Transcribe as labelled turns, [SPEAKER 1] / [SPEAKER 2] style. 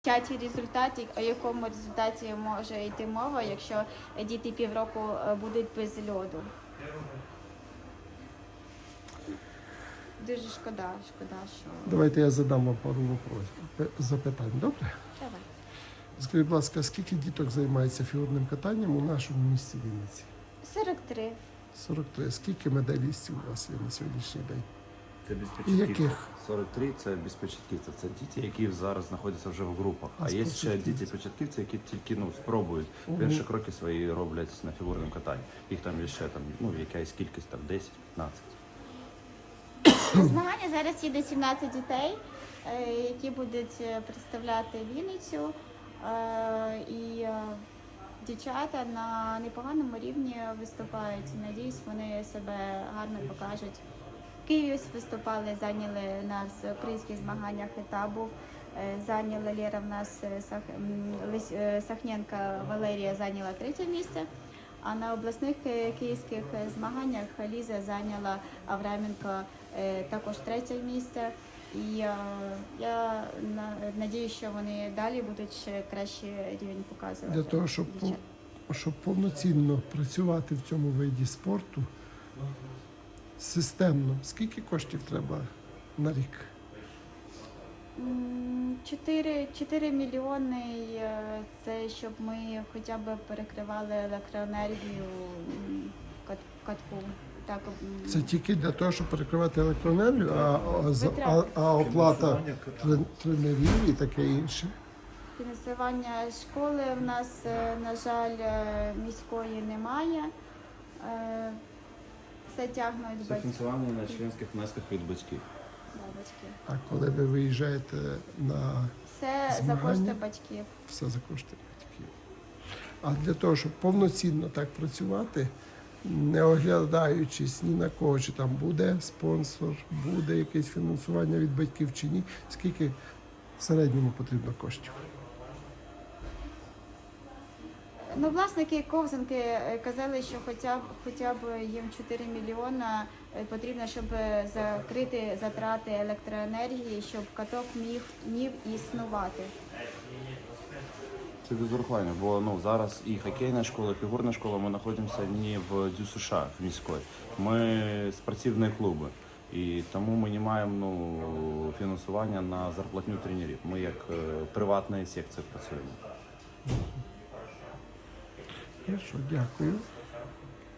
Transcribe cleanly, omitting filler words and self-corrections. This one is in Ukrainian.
[SPEAKER 1] Чаті результаті, о якому результаті може йти мова, якщо діти півроку будуть без льоду. Дуже шкода, що...
[SPEAKER 2] Давайте я задам вам пару запитань, добре?
[SPEAKER 1] Давай.
[SPEAKER 2] Скажіть, будь ласка, скільки діток займається фігурним катанням у нашому місті Вінниці?
[SPEAKER 1] 43.
[SPEAKER 2] 43. Скільки медалістів у вас є на сьогоднішній день?
[SPEAKER 3] Це без
[SPEAKER 2] І яких?
[SPEAKER 3] початківців. 43 – це без початківців. Це діти, які зараз знаходяться вже в групах. А є ще діти-початківці, які тільки спробують. Перші кроки свої роблять на фігурному катанні. Їх там є ще якась кількість, 10-15.
[SPEAKER 1] На змагання зараз їде 17 дітей, які будуть представляти Вінницю. І дівчата на непоганому рівні виступають. Надіюсь, вони себе гарно покажуть. В Києві виступали, зайняли на українських змаганнях етап був. Зайняла Лера в нас, Сахненка Валерія зайняла 3-е місце. А на обласних київських змаганнях Ліза зайняла Авраменко також 3-е місце. І я надіюсь, що вони далі будуть ще кращий рівень показувати.
[SPEAKER 2] Для того, щоб повноцінно працювати в цьому виді спорту, системно, скільки коштів треба на рік?
[SPEAKER 1] 4 мільйони – це щоб ми хоча б перекривали електроенергію катку. Так.
[SPEAKER 2] Це тільки для того, щоб перекривати електроенергію, а оплата тренерів і таке інше?
[SPEAKER 1] Фінансування школи в нас, на жаль, міської немає. Це тягнуть
[SPEAKER 3] Це
[SPEAKER 1] батьки.
[SPEAKER 3] фінансування на членських внесках від батьків.
[SPEAKER 2] А коли ви виїжджаєте на
[SPEAKER 1] Все за
[SPEAKER 2] змагання?
[SPEAKER 1] кошти батьків.
[SPEAKER 2] Все за кошти батьків. А для того, щоб повноцінно так працювати, не оглядаючись ні на кого, чи там буде спонсор, буде якесь фінансування від батьків чи ні, скільки в середньому потрібно коштів?
[SPEAKER 1] Ну, власники ковзанки казали, що хоча б їм 4 мільйона потрібно, щоб закрити затрати електроенергії, щоб каток міг існувати.
[SPEAKER 3] Це без урахування, бо зараз і хокейна школа, і фігурна школа, ми знаходимося не в ДЮСШ США, в міській. Ми спортивні клуби. І тому ми не маємо фінансування на зарплатню тренерів. Ми як приватна секція працюємо.
[SPEAKER 2] Хорошо, дякую.